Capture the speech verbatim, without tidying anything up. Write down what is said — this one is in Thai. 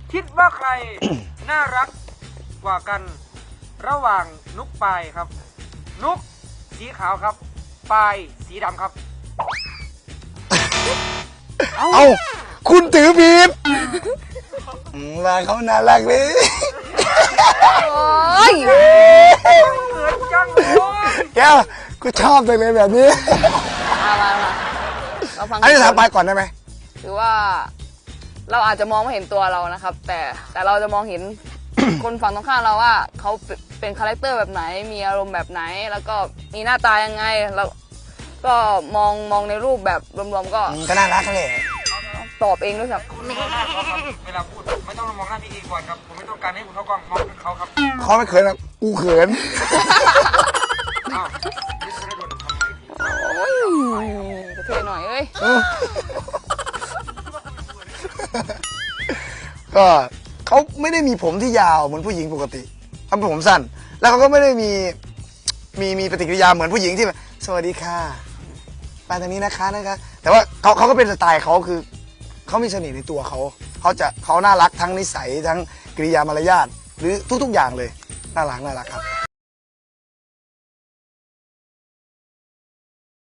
คิดว่าใคร น่ารักกว่ากันระหว่างนุกปายครับ นุกสีขาวครับปายสีดำครับเอาคุณถือผิดมาเขาน่ารักเลยโอ้ยเกิดจังเลยแก้วกูชอบจังเลยแบบนี้มามามาเราฟังอันนี้ถามไปก่อนได้ไหมคือว่า เราอาจจะมองไม่เห็นตัวเรานะครับ แต่แต่เราจะมองเห็น คนฝั่งตรงข้ามเราว่าเขาเป็นคาแรคเตอร์แบบไหนมีอารมณ์แบบไหน แล้วก็มีหน้าตายังไงแล้วก็มองมองในรูปแบบรวมๆก็ก็น่ารักเลยตอบเองด้วยครับเวลาพูดไม่ต้องมองหน้าพี่เอก่อนครับผมไม่ต้องการให้คุณเข้ากล้องมองเขาครับเขาไม่เขินนะกูเขินอ้าวนี่คือได้โดนทำไมพี่โอ้ยกระเทยหน่อยเอ้ยก็เขาไม่ได้มีผมที่ยาวเหมือนผู้หญิงปกติเขาเป็นผมสั้น แล้วเขาก็ไม่ได้มีมีมีปฏิกิริยาเหมือนผู้หญิงที่แบบสวัสดีค่ะไปทางนี้นะคะนะคะแต่ว่าเขาเขาก็เป็นสไตล์เขาคือเขามีเสน่ห์ในตัวเขาเขาจะเขาน่ารักทั้งนิสัยทั้งกิริยามารยาทหรือทุกๆอย่างเลยน่ารักน่ารักครับ